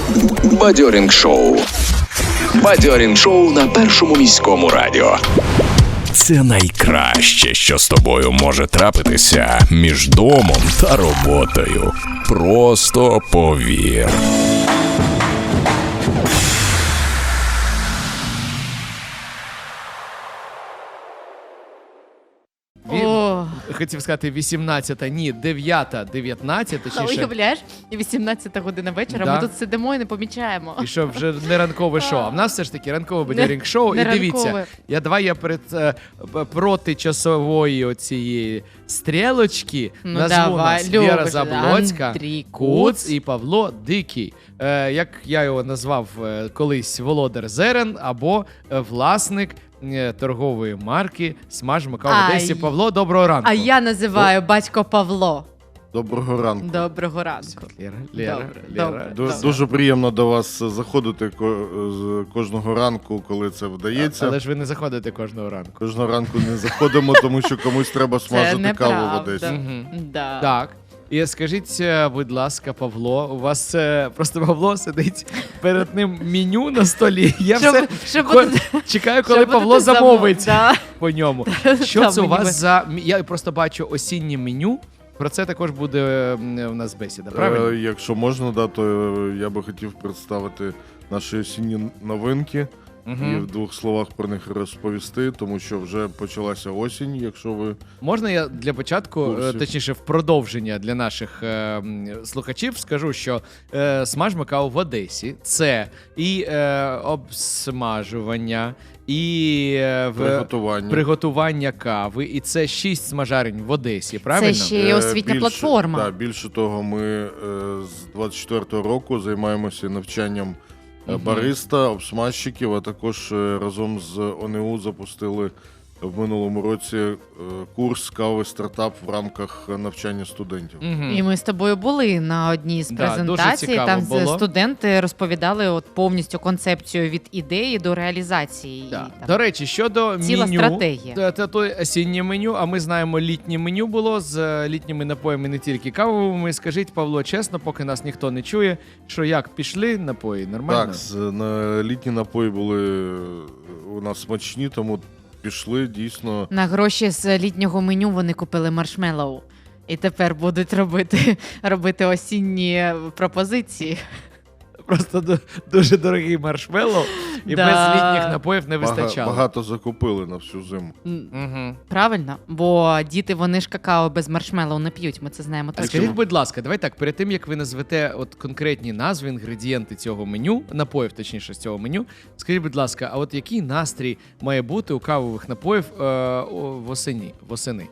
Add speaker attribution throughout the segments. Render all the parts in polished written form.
Speaker 1: Бадьорінг-шоу. Бадьорінг-шоу на Першому міському радіо. Це найкраще, що з тобою може трапитися між домом та роботою. Просто повір.
Speaker 2: Хотів сказати 18-та, ні, 9-та, 19, точніше.
Speaker 3: Уявляєш, 18 година вечора,
Speaker 2: Да.
Speaker 3: ми тут сидимо і не помічаємо.
Speaker 2: І що, вже не ранкове шоу. А в нас все ж таки ранкове бадьорінг-шоу. І дивіться, я проти часової оцієї стрілочки назву нас Віра Заблоцька, Куц і Павло Дикий. Як я його назвав колись, володар зерен або власник торгової марки «Смаж Макао» в Одесі. Павло, доброго ранку.
Speaker 3: А я називаю батько Павло.
Speaker 4: Доброго ранку.
Speaker 3: Доброго ранку.
Speaker 2: Лера.
Speaker 4: Дуже приємно до вас заходити кожного ранку, коли це вдається.
Speaker 2: Але ж ви не заходите кожного ранку.
Speaker 4: Кожного ранку не заходимо, тому що комусь треба смажити каву в Одесі.
Speaker 3: Да.
Speaker 2: Так. І скажіть, будь ласка, Павло, у вас просто Павло сидить перед ним меню на столі. Я чекаю, коли Павло замовить по ньому. Що це у вас за... Я просто бачу осіннє меню. Про це також буде у нас бесіда, правильно?
Speaker 4: Якщо можна, то я би хотів представити наші осінні новинки. І в двох словах про них розповісти, тому що вже почалася осінь, якщо ви...
Speaker 2: Можна я для початку, точніше в продовження для наших слухачів скажу, що «Смаж Макао» в Одесі – це і обсмажування, і приготування кави, і це 6 смажарень в Одесі, правильно?
Speaker 3: Це ще й освітня платформа.
Speaker 4: Так, більше того, ми з 24-го року займаємося навчанням бариста, обсмажчиків, а також разом з ОНУ запустили в минулому році курс «Кави стартап» в рамках навчання студентів.
Speaker 3: І ми з тобою були на одній з презентацій, там студенти розповідали повністю концепцію від ідеї до реалізації.
Speaker 2: Да. До речі, щодо
Speaker 3: ціла
Speaker 2: меню,
Speaker 3: стратегія.
Speaker 2: Це осіннє меню, а ми знаємо, літнє меню було з літніми напоями, не тільки кавовими. Скажіть, Павло, чесно, поки нас ніхто не чує, що як, пішли напої, нормально?
Speaker 4: Так, літні напої були у нас смачні, тому пішли дійсно.
Speaker 3: На гроші з літнього меню вони купили маршмеллоу. І тепер будуть робити осінні пропозиції.
Speaker 2: Просто дуже дорогий маршмеллоу, і без літніх напоїв не вистачало.
Speaker 4: Багато закупили на всю зиму.
Speaker 3: Правильно, бо діти, вони ж какао без маршмеллоу не п'ють, ми це знаємо точно.
Speaker 2: Скажіть, будь ласка, давай так, перед тим, як ви назвете конкретні назви, інгредієнти цього меню, напоїв, точніше, з цього меню, скажіть, будь ласка, а от який настрій має бути у кавових напоїв восени?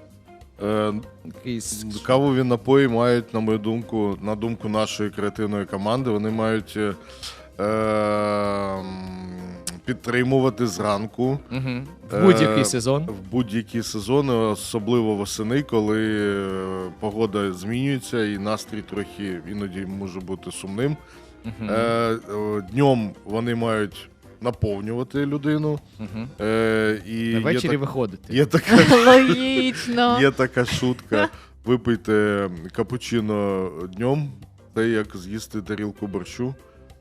Speaker 4: Кавові напої мають, на мою думку, на думку нашої креативної команди, вони мають підтримувати зранку.
Speaker 2: В будь-який сезон.
Speaker 4: В будь-які сезони, особливо восени, коли погода змінюється і настрій трохи іноді може бути сумним. Днем вони мають наповнювати людину. І
Speaker 2: ввечері виходити.
Speaker 3: Логічно.
Speaker 4: Є така шутка. Випийте капучино днем, це як з'їсти тарілку борщу.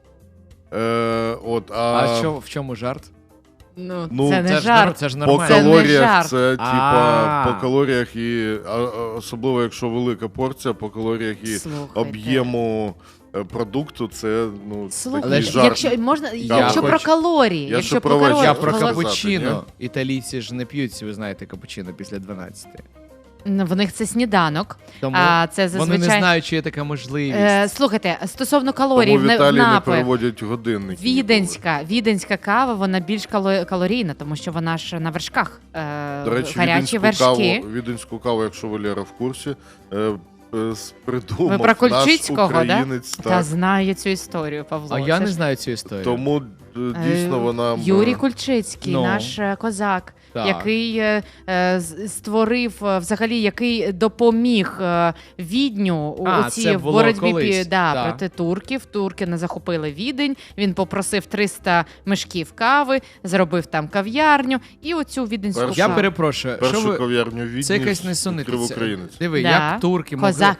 Speaker 2: А що, в чому жарт?
Speaker 3: Це не жарт.
Speaker 2: Це ж нормально.
Speaker 4: По калоріях це по калоріях і особливо якщо велика порція, по калоріях і об'єму продукту, це такий жарт.
Speaker 3: Якщо про калорії.
Speaker 2: Я про капучино. Італійці ж не п'ють, ви знаєте, капучино після 12.
Speaker 3: В них це сніданок.
Speaker 2: Тому
Speaker 3: це зазвичай...
Speaker 2: вони не знають, чи є така можливість.
Speaker 3: Слухайте, стосовно калорій
Speaker 4: тому в Італії
Speaker 3: не
Speaker 4: переводять годинники.
Speaker 3: Віденська кава, вона більш калорійна, тому що вона ж на вершках.
Speaker 4: До речі,
Speaker 3: гарячі вершки.
Speaker 4: віденську каву, якщо Валера в курсі, придумав
Speaker 3: ви про
Speaker 4: наш українець.
Speaker 3: Та знаю цю історію, Павло.
Speaker 2: А я не знаю цю історію.
Speaker 4: Тому дійсно вона...
Speaker 3: Юрій Кульчицький, наш козак, який створив, взагалі, який допоміг Відню у цій боротьбі проти турків. Турки не захопили Відень, він попросив 300 мешків кави, зробив там кав'ярню і оцю віденську каву.
Speaker 2: Я перепрошую.
Speaker 4: Першу кав'ярню в Відні
Speaker 2: це якась несунниця.
Speaker 4: українець.
Speaker 2: Диви, як турки
Speaker 3: козак.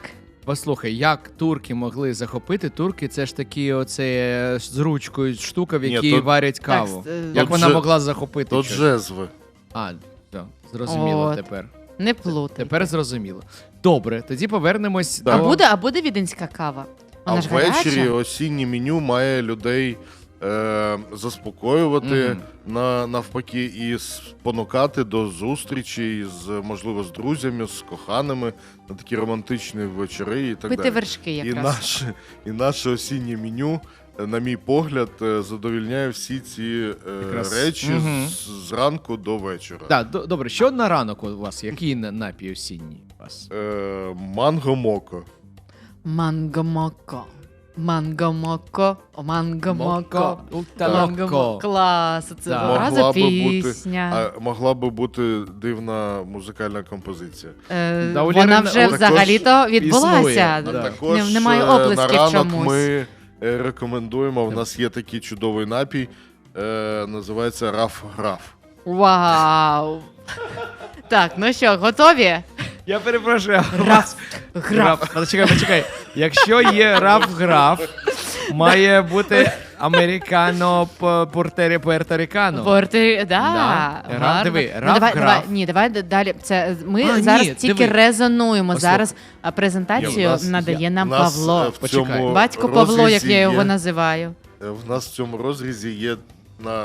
Speaker 2: послухай, як турки могли захопити? Турки це ж такі оце з ручкою штука, в якій варять каву. Як вона могла захопити?
Speaker 4: То джезви.
Speaker 2: А, так, зрозуміло тепер.
Speaker 3: Не плутай.
Speaker 2: Тепер зрозуміло. Добре, тоді повернемось до...
Speaker 3: А буде віденська кава? Вона ж
Speaker 4: ввечері
Speaker 3: гаряча?
Speaker 4: осіннє меню має людей заспокоювати, навпаки, і спонукати до зустрічі можливо, з друзями, з коханими на такі романтичні вечори і так
Speaker 3: Пити
Speaker 4: далі.
Speaker 3: вершки якраз.
Speaker 4: І наше осіннє меню, на мій погляд, задовільняє всі ці речі зранку до вечора.
Speaker 2: Так, добре, що на ранок у вас? Який напій осінній у вас?
Speaker 4: Манго-моко.
Speaker 3: Манго-моко. Манго-моко. Манго-моко.
Speaker 2: Моко.
Speaker 3: Клас, це одразу пісня.
Speaker 4: Могла би бути дивна музикальна композиція.
Speaker 3: Вона вже взагалі-то відбулася.
Speaker 4: Також
Speaker 3: немає
Speaker 4: на
Speaker 3: оплесків
Speaker 4: ранок
Speaker 3: чомусь.
Speaker 4: ми рекомендуємо, в нас є такий чудовий напій, називається Раф-Граф.
Speaker 3: Вау! Так, ну що, готові?
Speaker 2: Я перепрошую.
Speaker 3: Граф.
Speaker 2: Почекай. Якщо є раф-граф, має бути американо пуерторикано.
Speaker 3: Диви,
Speaker 2: раф-граф.
Speaker 3: Ні, давай далі. Ми зараз тільки резонуємо. Зараз презентацію надає нам Павло. Батько Павло, як я його називаю.
Speaker 4: В нас в цьому розрізі є на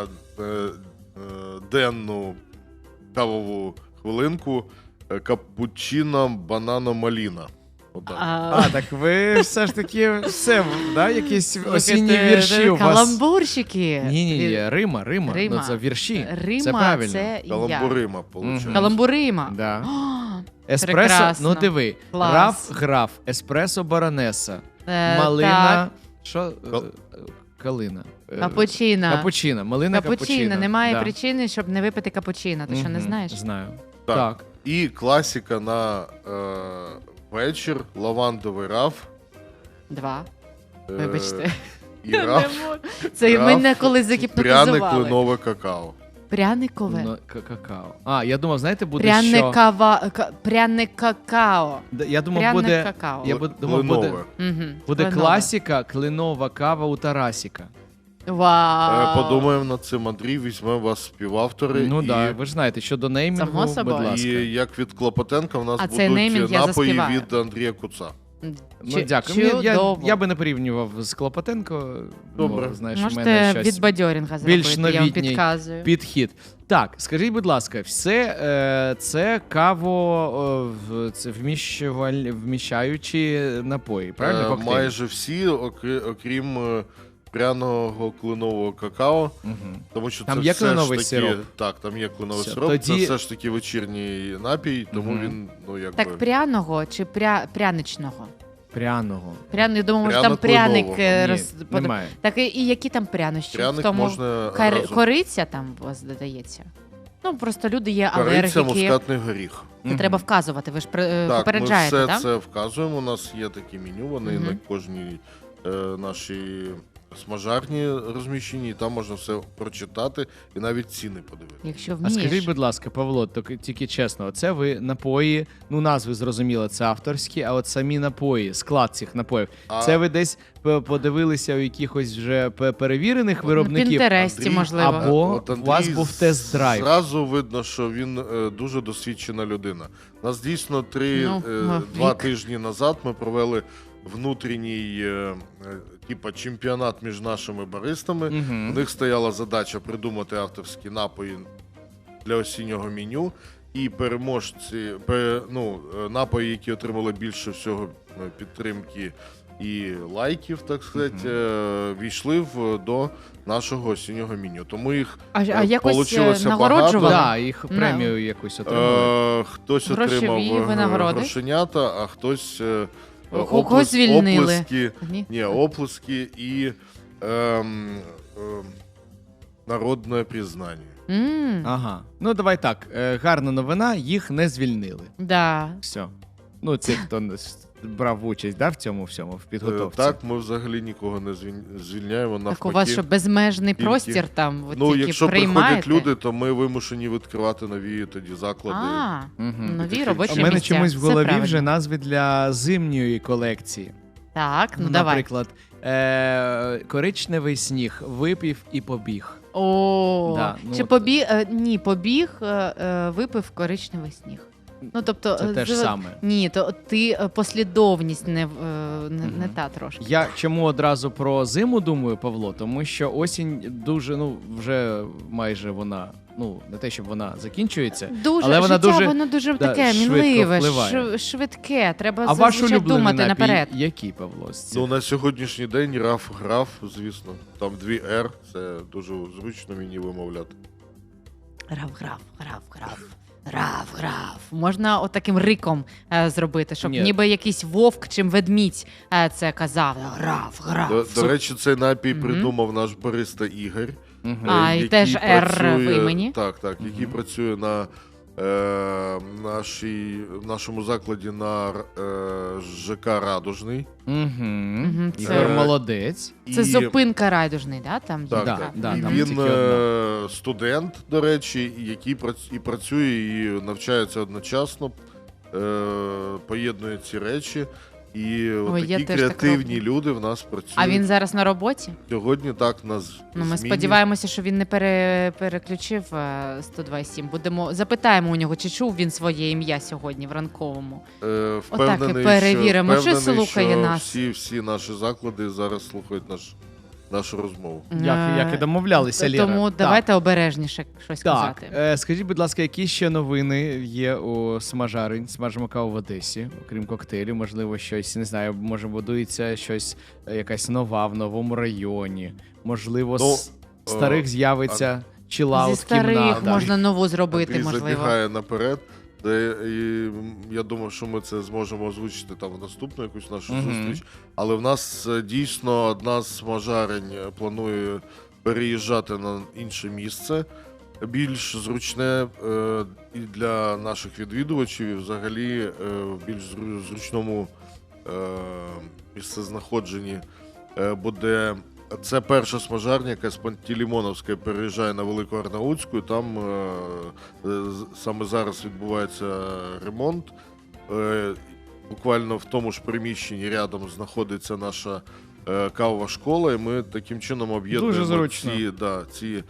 Speaker 4: денну кавову хвилинку капучино банано-маліна.
Speaker 2: Так ви все ж таки якісь осінні вірші у вас.
Speaker 3: Каламбурщики.
Speaker 2: Ні, Рима. Ну це вірші.
Speaker 3: Рима,
Speaker 2: це правильно.
Speaker 3: це я.
Speaker 4: Каламбурима, виходить.
Speaker 3: Каламбурима.
Speaker 2: Да. Еспресо,
Speaker 3: Прекрасно.
Speaker 2: ну диви.
Speaker 3: Клас.
Speaker 2: Раф-граф, еспресо баронеса, малина, що? Калина.
Speaker 3: Капучино.
Speaker 2: Малина капучино.
Speaker 3: Немає причини, щоб не випити капучино. Ти що, не знаєш?
Speaker 2: Знаю.
Speaker 4: Так. І класика на вечір, лавандовий раф.
Speaker 3: 2. Вибачте.
Speaker 4: І раф.
Speaker 3: Це мене колись загіпнотизували.
Speaker 4: Пряне кленове какао.
Speaker 3: Пряникове?
Speaker 2: Какао. Я думав, знаєте, буде
Speaker 3: Пряне какао.
Speaker 2: Я думав, буде...
Speaker 4: Кленове.
Speaker 2: Буде класика, кленова кава у Тарасіка.
Speaker 3: Вау.
Speaker 4: Подумаємо над цим, Андрій, візьмемо вас співавтори.
Speaker 2: Ну так, ви ж знаєте, щодо неймінгу, будь ласка.
Speaker 4: І як від Клопотенка в нас
Speaker 3: неймінг
Speaker 4: будуть
Speaker 3: я
Speaker 4: напої
Speaker 3: заспіваю.
Speaker 4: від Андрія Куца.
Speaker 2: Ну, дякую. Я би не порівнював з Клопотенко.
Speaker 4: Добре.
Speaker 2: Знаєш,
Speaker 3: можете від бадьорінга
Speaker 2: більш
Speaker 3: зробити, я вам підказую.
Speaker 2: Підхід. Так, скажіть, будь ласка, все це каво вміщаючі напої, правильно? Коктейль?
Speaker 4: Майже всі, окрім пряного кленового какао. Тому що
Speaker 2: там
Speaker 4: це
Speaker 2: є
Speaker 4: все
Speaker 2: кленовий
Speaker 4: ж таки,
Speaker 2: сироп?
Speaker 4: Так, там є кленовий сироп. Це все ж таки вечірній напій, тому він, якби...
Speaker 3: Так пряного чи пряничного?
Speaker 2: Пряного.
Speaker 3: Я думаю, може там пряник...
Speaker 2: Немає.
Speaker 3: Так і які там прянощі?
Speaker 4: Пряник можна
Speaker 3: кориця там у вас додається? Ну, просто люди є алергіки.
Speaker 4: Кориця, мускатний горіх.
Speaker 3: Це треба вказувати, ви ж
Speaker 4: Так,
Speaker 3: попереджаєте,
Speaker 4: ми
Speaker 3: так?
Speaker 4: все це вказуємо, у нас є такі меню, вони на кожній нашій смажарні розміщені, і там можна все прочитати і навіть ціни подивитися.
Speaker 3: Якщо вмієш.
Speaker 2: А скажіть, будь ласка, Павло, тільки чесно, це ви напої, ну назви зрозуміло, це авторські, а от самі напої, склад цих напоїв, це ви десь подивилися у якихось вже перевірених виробників?
Speaker 3: На Пінтересті, можливо.
Speaker 2: Або у вас був тест-драйв.
Speaker 4: Зразу видно, що він дуже досвідчена людина. Нас дійсно 2 тижні назад ми провели внутрішній чемпіонат між нашими баристами. У них стояла задача придумати авторські напої для осіннього меню. І переможці, напої, які отримали більше всього підтримки і лайків, так сказати, війшли до нашого осіннього меню. Тому їх получилося багато.
Speaker 2: Да, їх премію якусь отримали.
Speaker 4: Хтось отримав грошенята, а хтось...
Speaker 3: Когось звільнили.
Speaker 4: Оплески і народне признання.
Speaker 2: Ага. Ну, давай так. Гарна новина, їх не звільнили.
Speaker 3: Да.
Speaker 2: Все. Ну, ці, хто брав участь, в цьому всьому, в підготовці?
Speaker 4: Так, ми взагалі нікого не звільняємо, навпаки.
Speaker 3: Так у вас що, безмежний простір там, ви тільки
Speaker 4: якщо
Speaker 3: приймаєте?
Speaker 4: приходять люди, то ми вимушені відкривати нові тоді заклади.
Speaker 3: Нові робочі місця.
Speaker 2: У мене чомусь в голові вже назви для зимньої колекції.
Speaker 3: Так, давай.
Speaker 2: Наприклад, коричневий сніг, випив і побіг.
Speaker 3: Чи побіг, випив коричневий сніг. Тобто,
Speaker 2: це те ж саме.
Speaker 3: Ні, то ти послідовність не та трошки.
Speaker 2: Я чому одразу про зиму думаю, Павло? Тому що осінь дуже, вже майже вона, не те, щоб вона закінчується, але вона
Speaker 3: воно дуже таке мінливе, швидке. Треба зазвичай думати наперед.
Speaker 2: Який, Павло?
Speaker 4: На сьогоднішній день раф-граф, звісно. Там 2 «р», це дуже зручно мені вимовляти.
Speaker 3: Раф-граф. Можна отаким риком зробити, щоб ніби якийсь вовк чи ведмідь це казав. Раф-граф.
Speaker 4: До речі, цей напій придумав наш бариста Ігор.
Speaker 3: І теж «р» в імені.
Speaker 4: Так, який працює на нашому закладі на ЖК «Радужний».
Speaker 2: Ігор молодець.
Speaker 3: Це зупинка «Радужний»,
Speaker 4: там?
Speaker 2: Так.
Speaker 4: Він студент, до речі, який і працює, і навчається одночасно, поєднує ці речі. І такі креативні люди в нас працюють.
Speaker 3: А він зараз на роботі?
Speaker 4: Сьогодні так, на зміні.
Speaker 3: Ми сподіваємося, що він не переключив 102.7. Запитаємо у нього, чи чув він своє ім'я сьогодні в ранковому.
Speaker 4: Впевнений,
Speaker 3: перевіримо, чи слухає нас.
Speaker 4: Всі наші заклади зараз слухають нашу розмову.
Speaker 2: Як і домовлялися, Лєра.
Speaker 3: Тому давайте обережніше щось казати.
Speaker 2: Скажіть, будь ласка, які ще новини є у Смажарень, Смажимо каву в Одесі, окрім коктейлів, можливо, щось, не знаю, може будується щось, якась нова в новому районі, можливо, з старих з'явиться чилаут-кімната.
Speaker 3: Зі старих можна нову зробити,
Speaker 4: Андрій
Speaker 3: можливо.
Speaker 4: забігає наперед. І я думаю, що ми це зможемо озвучити там в наступну якусь нашу зустріч. Але в нас дійсно одна з смажарень планує переїжджати на інше місце, більш зручне і для наших відвідувачів, і взагалі в більш зручному місцезнаходженні буде. Це перша смажарня, яка з Пантелеймоновської переїжджає на Велику Арнаутську. Там саме зараз відбувається ремонт. Буквально в тому ж приміщенні рядом знаходиться наша кавова школа, і ми таким чином об'єднуємо ці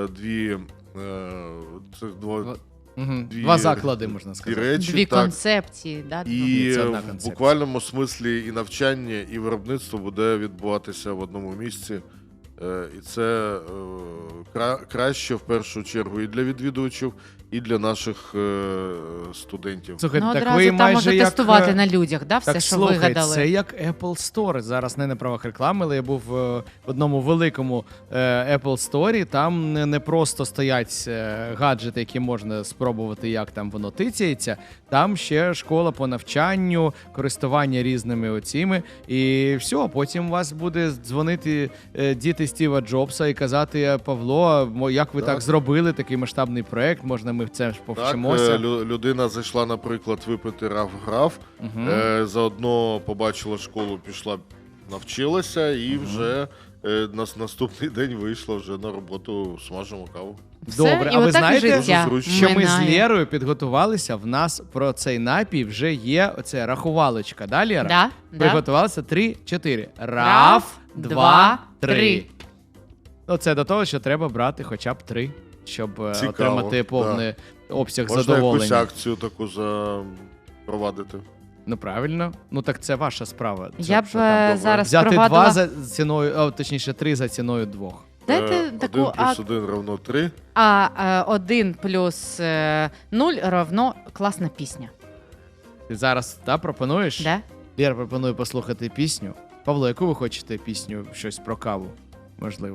Speaker 2: два заклади, можна сказати.
Speaker 4: Речі,
Speaker 3: дві концепції.
Speaker 4: І в буквальному смислі і навчання, і виробництво буде відбуватися в одному місці. І це краще, в першу чергу, і для відвідувачів, і для наших студентів.
Speaker 2: Слухайте,
Speaker 3: одразу ви там можна тестувати на людях, все, що вигадали.
Speaker 2: Це як Apple Store. Зараз не на правах реклами, але я був в одному великому Apple Store. Там не просто стоять гаджети, які можна спробувати, як там воно тицяється. Там ще школа по навчанню, користування різними оціми. І все, потім у вас буде дзвонити діти Стіва Джобса і казати: Павло, як ви так зробили, такий масштабний проект, можна ми в це повчимося.
Speaker 4: Так, людина зайшла, наприклад, випити раф-граф, заодно побачила школу, пішла, навчилася і вже наступний день вийшла вже на роботу, смажимо каву.
Speaker 2: Добре, а ви знаєте, що ми з Лєрою підготувалися, в нас про цей напій вже є оце рахувалочка, да, Лєра? Приготувалися 3-4. Раф, 2, 3. Це до того, що треба брати хоча б 3, щоб отримати повний обсяг задоволення.
Speaker 4: Можна якусь акцію таку запровадити.
Speaker 2: Правильно. Так це ваша справа.
Speaker 3: Я б зараз
Speaker 2: взяти
Speaker 3: провадила...
Speaker 2: 2 за ціною, точніше 3 за ціною 2.
Speaker 3: Дайте таку
Speaker 4: 1 плюс 1 равно 3.
Speaker 3: А 1 плюс 0 равно класна пісня.
Speaker 2: Ти зараз пропонуєш?
Speaker 3: Да.
Speaker 2: Я пропоную послухати пісню. Павло, яку ви хочете пісню? Щось про каву, можливо.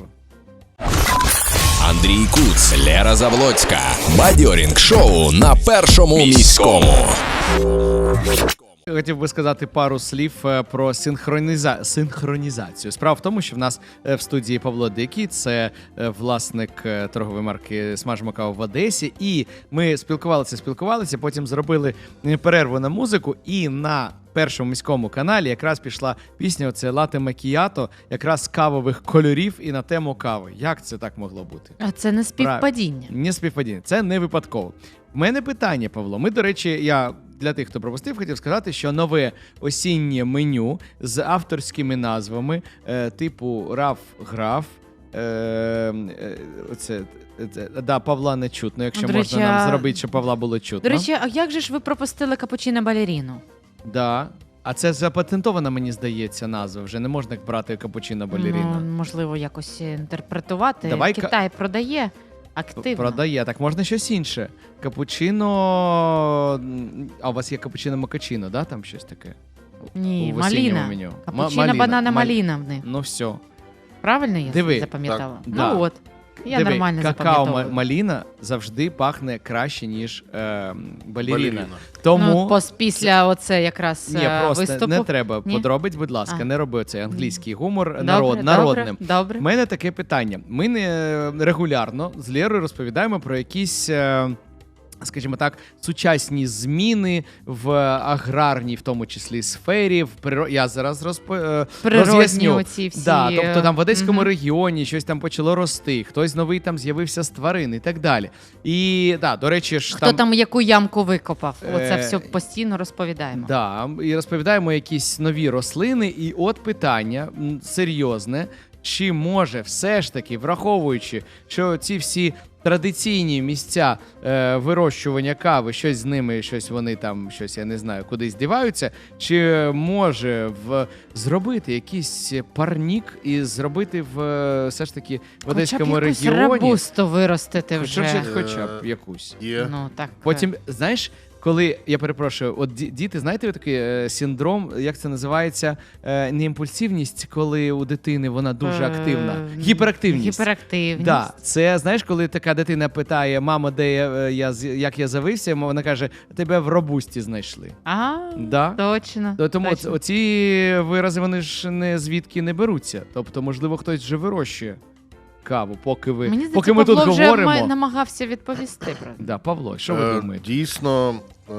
Speaker 1: Андрій Куц, Лера Завлоцька. Бадьорінг шоу на Першому міському.
Speaker 2: Хотів би сказати пару слів про синхронізацію. Справа в тому, що в нас в студії Павло Дикий, це власник торгової марки «Смажимо каву» в Одесі. І ми спілкувалися, потім зробили перерву на музику, і на Першому міському каналі якраз пішла пісня оце «Лате Макіято», якраз кавових кольорів і на тему кави. Як це так могло бути?
Speaker 3: А це не співпадіння.
Speaker 2: Не співпадіння, це не випадково. В мене питання, Павло. Ми, до речі, я для тих, хто пропустив, хотів сказати, що нове осіннє меню з авторськими назвами типу Раф-Граф, Павла не чутно, якщо можна нам зробити, щоб Павла було чутно.
Speaker 3: До речі, а як же ж ви пропустили капучино балеріну?
Speaker 2: Да. А це запатентована, мені здається, назва. Вже не можна брати капучино балеріна.
Speaker 3: Ну, можливо, якось інтерпретувати. Китай продає активно.
Speaker 2: Продає. Так можна щось інше. Капучино... А у вас є капучино-макачино, да? Там щось таке?
Speaker 3: Ні, маліна. Капучино банана-маліна в них.
Speaker 2: Ну все.
Speaker 3: Правильно я запам'ятала? Ну
Speaker 2: да.
Speaker 3: от. Я нормально запам'ятовую.
Speaker 2: Какао-маліна завжди пахне краще, ніж балеріна. Тому...
Speaker 3: після оце якраз виступу.
Speaker 2: Не треба подробиць, будь ласка, не роби цей англійський гумор народним.
Speaker 3: Добре.
Speaker 2: У мене таке питання. Ми регулярно з Лєрою розповідаємо про якісь... скажімо так, сучасні зміни в аграрній, в тому числі, сфері, я зараз роз'ясню. Да, тобто там в Одеському регіоні щось там почало рости, хтось новий там з'явився з тварин і так далі. І, да, до речі, ж
Speaker 3: хто там яку ямку викопав, оце все постійно розповідаємо.
Speaker 2: Да, і розповідаємо якісь нові рослини, і от питання серйозне, чи може все ж таки, враховуючи, що ці всі традиційні місця вирощування кави, щось з ними, щось вони там, щось, я не знаю, кудись діваються, чи може зробити якийсь парнік і зробити все ж таки в Одеському регіоні...
Speaker 3: Хоча б якусь рабусту виростити вже.
Speaker 2: Хоча б якусь.
Speaker 3: Ну, так.
Speaker 2: Потім, знаєш, коли, я перепрошую, от діти, знаєте, такий синдром, як це називається, не імпульсивність, коли у дитини вона дуже активна. Гіперактивність. Да. Це, знаєш, коли така дитина питає, мамо, де як я завився, вона каже, тебе в робусті знайшли. Да?
Speaker 3: Точно.
Speaker 2: Тому оці вирази, вони ж не звідки не беруться. Тобто, можливо, хтось вже вирощує каву, поки ми тут говоримо.
Speaker 3: Вже намагався відповісти.
Speaker 2: Да, Павло, що ви думаєте?
Speaker 4: Дійсно,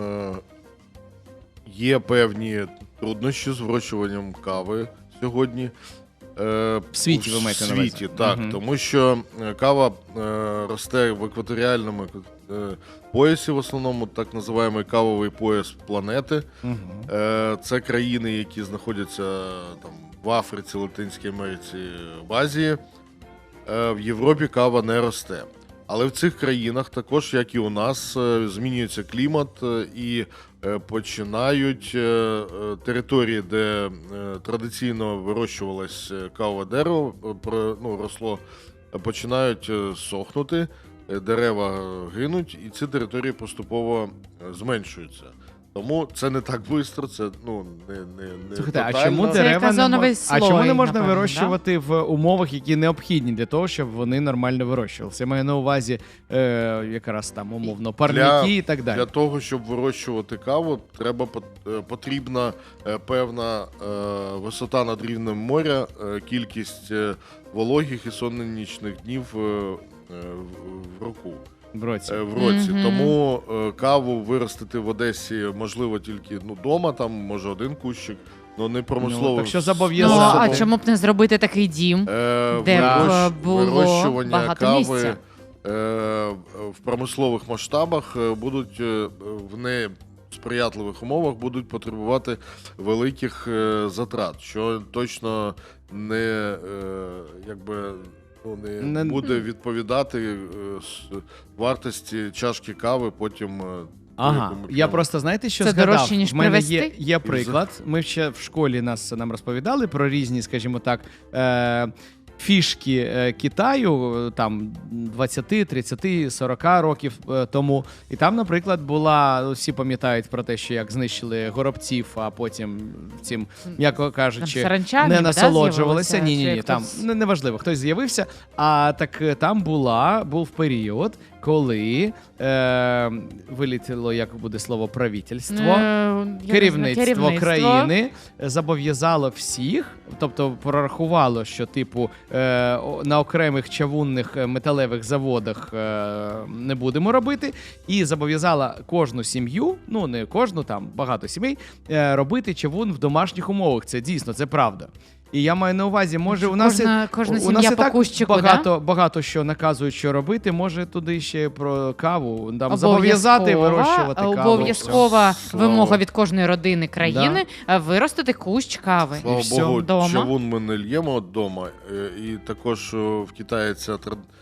Speaker 4: є певні труднощі з вирощуванням кави сьогодні.
Speaker 2: В світі, ви маєте на увазі?
Speaker 4: В світі, так. Тому що кава росте в екваторіальному поясі, в основному так називаємо кавовий пояс планети. Це країни, які знаходяться там в Африці, Латинській Америці, в Азії. В Європі кава не росте. Але в цих країнах також, як і у нас, змінюється клімат і починають території, де традиційно вирощувалось кавове дерево, росло, починають сохнути, дерева гинуть, і ці території поступово зменшуються. Тому це не так швидко, це не
Speaker 2: Слухайте,
Speaker 4: тотально.
Speaker 2: А чому не можна вирощувати в умовах, які необхідні для того, щоб вони нормально вирощувалися? Я маю на увазі якраз там умовно парники і так далі.
Speaker 4: Для того, щоб вирощувати каву, потрібна певна висота над рівнем моря, кількість вологих і сонячних днів в року. В році. Тому каву виростити в Одесі можливо тільки вдома, там може один кущик, але не промислово.
Speaker 2: Так що зобов'язано.
Speaker 3: А чому б не зробити такий дім, де було багато місця?
Speaker 4: В промислових масштабах будуть в несприятливих умовах будуть потребувати великих затрат, що точно не не буде відповідати вартості чашки кави потім.
Speaker 2: Я просто, знаєте, що
Speaker 3: це
Speaker 2: згадав?
Speaker 3: Дорожче, ніж
Speaker 2: в мене
Speaker 3: привезти?
Speaker 2: є приклад. Ми ще в школі нам розповідали про різні, скажімо так, фішки Китаю там 20, 30, 40 років тому. І там, наприклад, всі пам'ятають про те, що як знищили горобців, а потім цим, м'яко кажучи, не насолоджувалися. Ні, там неважливо, хтось з'явився. А так там був період, коли вилетіло, як буде слово, правительство, керівництво країни зобов'язало всіх, тобто прорахувало, що типу на окремих чавунних металевих заводах не будемо робити, і зобов'язала кожну сім'ю, ну не кожну, там багато сімей, робити чавун в домашніх умовах. Це дійсно, це правда. І я маю на увазі, може, у нас
Speaker 3: сім'я по кущику,
Speaker 2: багато що наказують, що робити, може туди ще про каву, там зобов'язати вирощувати каву.
Speaker 3: Обов'язкова вимога від кожної родини країни виростити кущ кави.
Speaker 4: Слава Богу, чавун ми не л'ємо вдома, і також в Китаї ця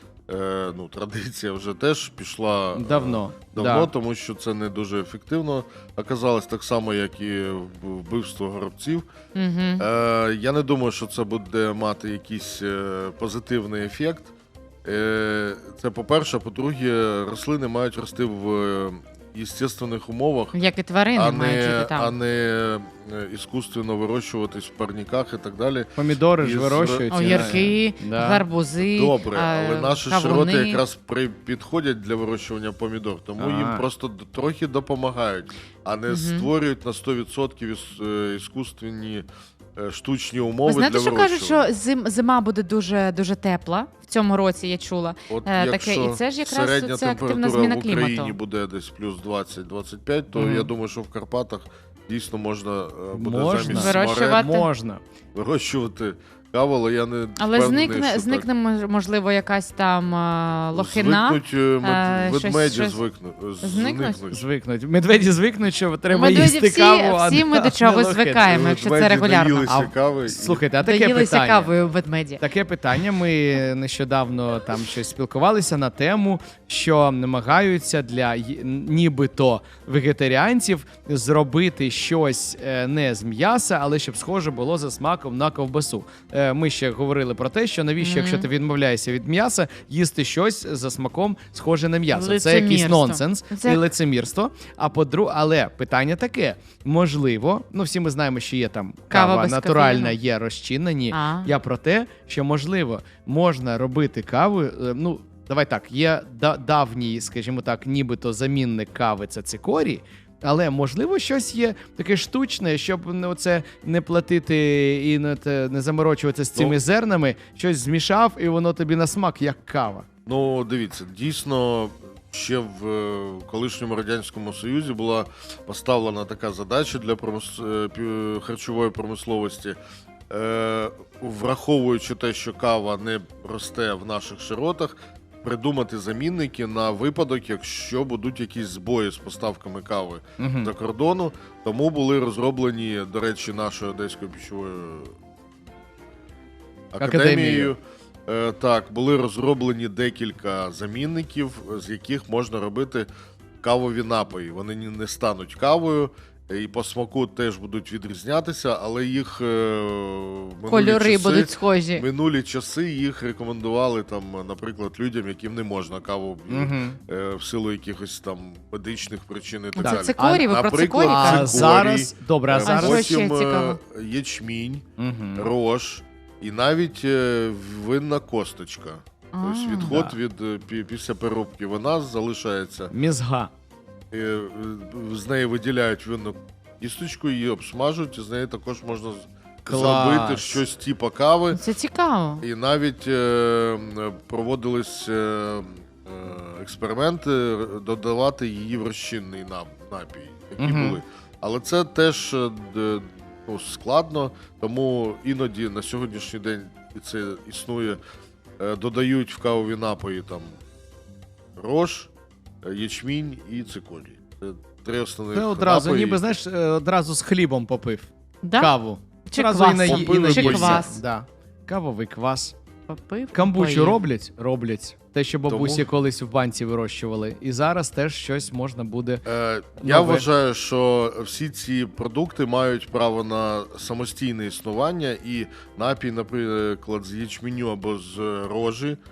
Speaker 4: традиція вже теж пішла давно, тому що це не дуже ефективно оказалось, так само, як і вбивство горобців. Я не думаю, що це буде мати якийсь позитивний ефект. Це по-перше, по-друге, рослини мають рости в естественних умовах,
Speaker 3: як і тварини мають жити там.
Speaker 4: А не іскусственно вирощуватись в парниках і так далі.
Speaker 2: Помідори ж вирощують.
Speaker 3: Огірки, гарбузи,
Speaker 4: добре, але наші широти якраз підходять для вирощування помідор, тому їм просто трохи допомагають, а не створюють на 100% іскусственні штучні умови для вирощування.
Speaker 3: Знаєте, що кажуть, що зима буде дуже, дуже тепла в цьому році, я чула.
Speaker 4: От якщо
Speaker 3: і це ж якраз
Speaker 4: середня
Speaker 3: це активна зміна
Speaker 4: температура в Україні
Speaker 3: клімату.
Speaker 4: буде десь плюс 20-25, то я думаю, що в Карпатах дійсно можна буде замість вирощувати каву, але я не впевнений, що
Speaker 3: зникне, можливо, якась там лохина.
Speaker 4: Ведмеді
Speaker 2: звикнуть. Медведі звикнуть, що треба їсти каву.
Speaker 3: Всі ми до чого звикаємо, якщо це регулярно.
Speaker 2: Слухайте, а таке питання. Ми нещодавно там щось спілкувалися на тему, що намагаються для нібито вегетаріанців зробити щось не з м'яса, але щоб схоже було за смаком на ковбасу. Ми ще говорили про те, що навіщо, якщо ти відмовляєшся від м'яса, їсти щось за смаком схоже на м'ясо. Це якийсь нонсенс і лицемірство. Але питання таке, можливо, всі ми знаємо, що є там кава натуральна, є розчинені. Я про те, що можливо можна робити каву, давай так, є давній, скажімо так, нібито замінник кави, це цикорій. Але, можливо, щось є таке штучне, щоб не платити і не заморочуватися з цими зернами, щось змішав, і воно тобі на смак, як кава.
Speaker 4: Дивіться, дійсно, ще в колишньому Радянському Союзі була поставлена така задача для харчової промисловості. Враховуючи те, що кава не росте в наших широтах, придумати замінники на випадок, якщо будуть якісь збої з поставками кави за кордону. Тому були розроблені, до речі, нашою Одеською пищовою академією. Були розроблені декілька замінників, з яких можна робити кавові напої. Вони не стануть кавою, і по смаку теж будуть відрізнятися, але їх
Speaker 3: кольори будуть схожі.
Speaker 4: Минулі часи їх рекомендували, наприклад, людям, яким не можна каву в силу якихось там медичних причин і так далі.
Speaker 3: Це цикорій, ви про цикорій
Speaker 2: кажете? Зараз, добре,
Speaker 4: потім ячмінь, рож і навіть винна косточка. Тобто відход після переробки вина залишається.
Speaker 2: Мізга.
Speaker 4: З неї виділяють винну кісточку, її обсмажують, і з неї також можна зробити щось типу кави.
Speaker 3: Це цікаво.
Speaker 4: І навіть проводились експерименти додавати її в розчинний напій, які були. Але це теж складно, тому іноді на сьогоднішній день це існує, додають в кавові напої рож, ячмінь і цикорій. Це три основних напої.
Speaker 2: Одразу, ніби, знаєш, одразу з хлібом попив каву.
Speaker 3: Чи квас.
Speaker 2: Чи квас. Да. Кавовий квас.
Speaker 3: Попив.
Speaker 2: Камбучу роблять. Те, що бабусі колись в банці вирощували. І зараз теж щось можна буде...
Speaker 4: Я вважаю, що всі ці продукти мають право на самостійне існування, і напій, наприклад, з ячменю або з рожі,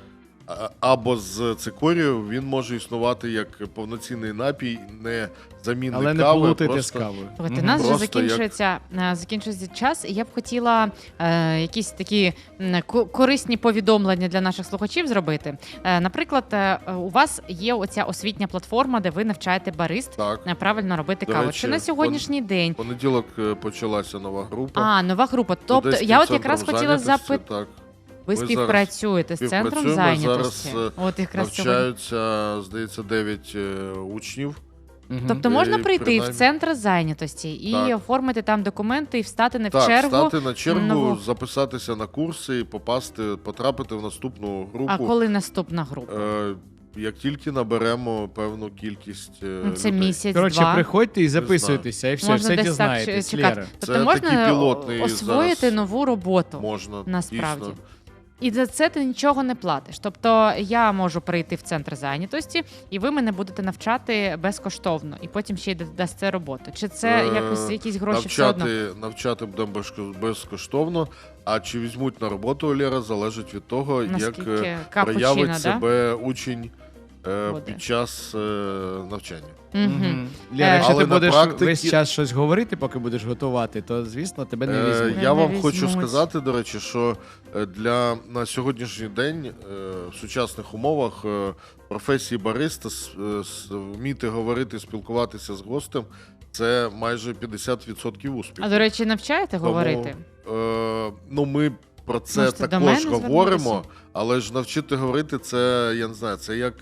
Speaker 4: або з цикорію, він може існувати як повноцінний напій, не замінник
Speaker 2: кави. Але не
Speaker 4: кави,
Speaker 2: плутайте
Speaker 4: просто...
Speaker 2: з кавою.
Speaker 3: У нас вже закінчується час, і я б хотіла якісь такі корисні повідомлення для наших слухачів зробити. Наприклад, у вас є оця освітня платформа, де ви навчаєте барист правильно робити каву.
Speaker 4: Речі,
Speaker 3: Чи на сьогоднішній день?
Speaker 4: Понеділок почалася нова група.
Speaker 3: Нова група. Тобто, я от якраз хотіла запитати. Ви співпрацюєте з центром зайнятості?
Speaker 4: Зараз навчаються, здається, 9 учнів.
Speaker 3: Тобто можна прийти в центр зайнятості і оформити там документи, і встати на чергу?
Speaker 4: Так, встати на чергу, записатися на курси і потрапити в наступну групу.
Speaker 3: А коли наступна група?
Speaker 4: Як тільки наберемо певну кількість людей.
Speaker 3: Це місяць-два.
Speaker 2: Коротше, приходьте і записуйтеся, і все дізнаєтесь.
Speaker 3: Тобто можна освоїти нову роботу?
Speaker 4: Можна,
Speaker 3: насправді.
Speaker 4: Дійсно.
Speaker 3: І за це ти нічого не платиш. Тобто я можу прийти в центр зайнятості, і ви мене будете навчати безкоштовно, і потім ще й дасте роботу. Чи це якісь гроші все одно?
Speaker 4: Навчати будемо безкоштовно, а чи візьмуть на роботу Лєра, залежить від того,
Speaker 3: наскільки
Speaker 4: як проявить себе учень під час навчання.
Speaker 2: Лєра, якщо ти будеш весь час щось говорити, поки будеш готувати, то, звісно, тебе не візьмуть.
Speaker 4: Я вам хочу сказати, до речі, що на сьогоднішній день в сучасних умовах професії бариста вміти говорити, спілкуватися з гостем – це майже 50% успіху.
Speaker 3: А, до речі, навчаєте говорити?
Speaker 4: Ми про це також говоримо, але ж навчити говорити – це, я не знаю, це як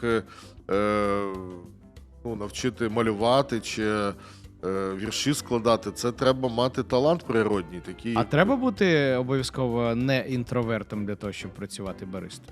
Speaker 4: навчити малювати чи вірші складати. Це треба мати талант природній. Такий.
Speaker 2: А треба бути обов'язково не інтровертом для того, щоб працювати баристою?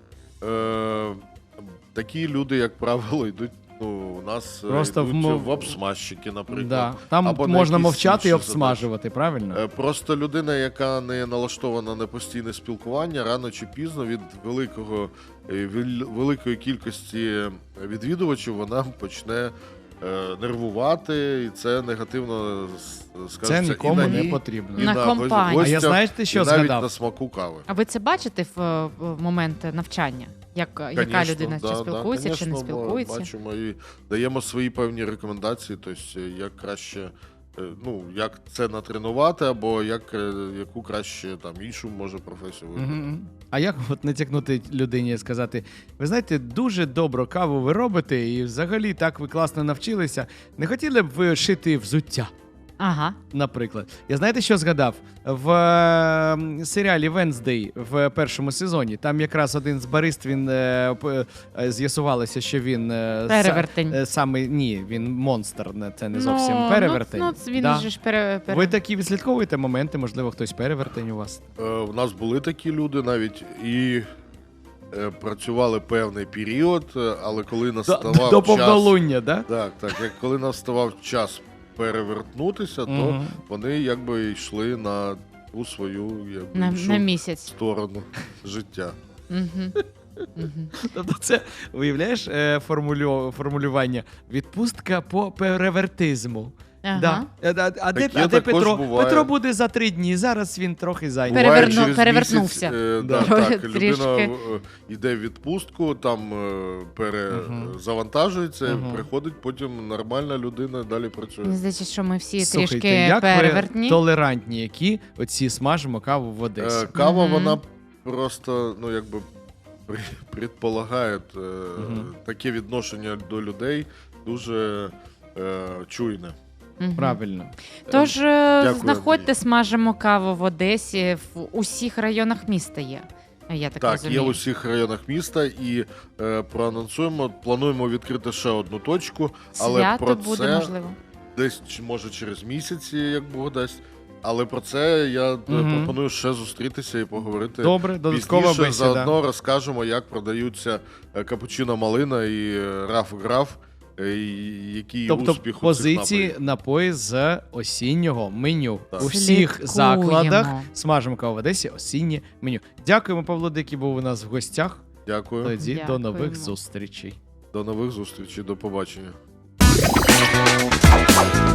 Speaker 4: Такі люди, як правило, йдуть. У нас йдуть в обсмажчики, наприклад.
Speaker 2: Да. Там або можна мовчати і обсмажувати, правильно?
Speaker 4: Просто людина, яка не налаштована на постійне спілкування, рано чи пізно від великої кількості відвідувачів вона почне нервувати, і це негативно скажеться.
Speaker 2: Це нікому не потрібно.
Speaker 3: На компанії.
Speaker 2: А я знаєте, що згадав?
Speaker 4: Навіть на смаку кави.
Speaker 3: А ви це бачите в момент навчання? Яка людина чи спілкується, чи не спілкується?
Speaker 4: Бачимо і даємо свої певні рекомендації, тобто як краще, як це натренувати, або яку краще іншу може професію вибрати.
Speaker 2: А як натякнути людині і сказати, ви знаєте, дуже добру каву ви робите, і взагалі так ви класно навчилися, не хотіли б ви шити взуття?
Speaker 3: Ага.
Speaker 2: Наприклад. Я знаєте, що згадав? В серіалі «Венсдей» в першому сезоні, там якраз один з барист, він з'ясувалося, що він
Speaker 3: перевертень.
Speaker 2: Він монстр, це не зовсім перевертень.
Speaker 3: Він же ж
Speaker 2: Ви такі відслідковуєте моменти, можливо, хтось перевертень у вас?
Speaker 4: У нас були такі люди навіть, і працювали певний період, але коли наставав час...
Speaker 2: До повнолуння, так?
Speaker 4: Так, коли наставав час перевертнутися, то вони якби йшли на ту свою
Speaker 3: на місяць
Speaker 4: сторону життя.
Speaker 2: Тобто це, уявляєш, формулювання «відпустка по перевертизму».
Speaker 3: Ага.
Speaker 2: А де Петро?
Speaker 4: Буває.
Speaker 2: Петро буде за 3 дні, зараз він трохи зайнятий.
Speaker 3: Перевернувся.
Speaker 4: Людина йде в відпустку, там перезавантажується, приходить, потім нормальна людина далі працює.
Speaker 3: Здається, що ми всі
Speaker 2: Слухайте,
Speaker 3: трішки перевертні.
Speaker 2: Як ви толерантні, які оці смажимо каву в Одесі?
Speaker 4: Кава, вона просто, предполагає таке відношення до людей дуже чуйне.
Speaker 2: Правильно.
Speaker 3: Тож знаходьте «Смажимо каву» в Одесі, в усіх районах міста є. Я так розумію.
Speaker 4: Є в усіх районах міста, і проанонсуємо, плануємо відкрити ще одну точку, але
Speaker 3: Свято
Speaker 4: про
Speaker 3: буде,
Speaker 4: це
Speaker 3: можливо.
Speaker 4: Десь, може, через місяць, як Бог дасть. Але про це я пропоную ще зустрітися і поговорити.
Speaker 2: Добре, додаткова бесіда.
Speaker 4: Заодно розкажемо, як продаються капучино малина і раф граф. Який успіх у цих
Speaker 2: позиції напої з осіннього меню. У всіх закладах «Смажимо каву» в Одесі осіннє меню. Дякуємо, Павло, який був у нас в гостях.
Speaker 4: Дякую.
Speaker 2: Тоді до нових зустрічей.
Speaker 4: До нових зустрічей, до побачення.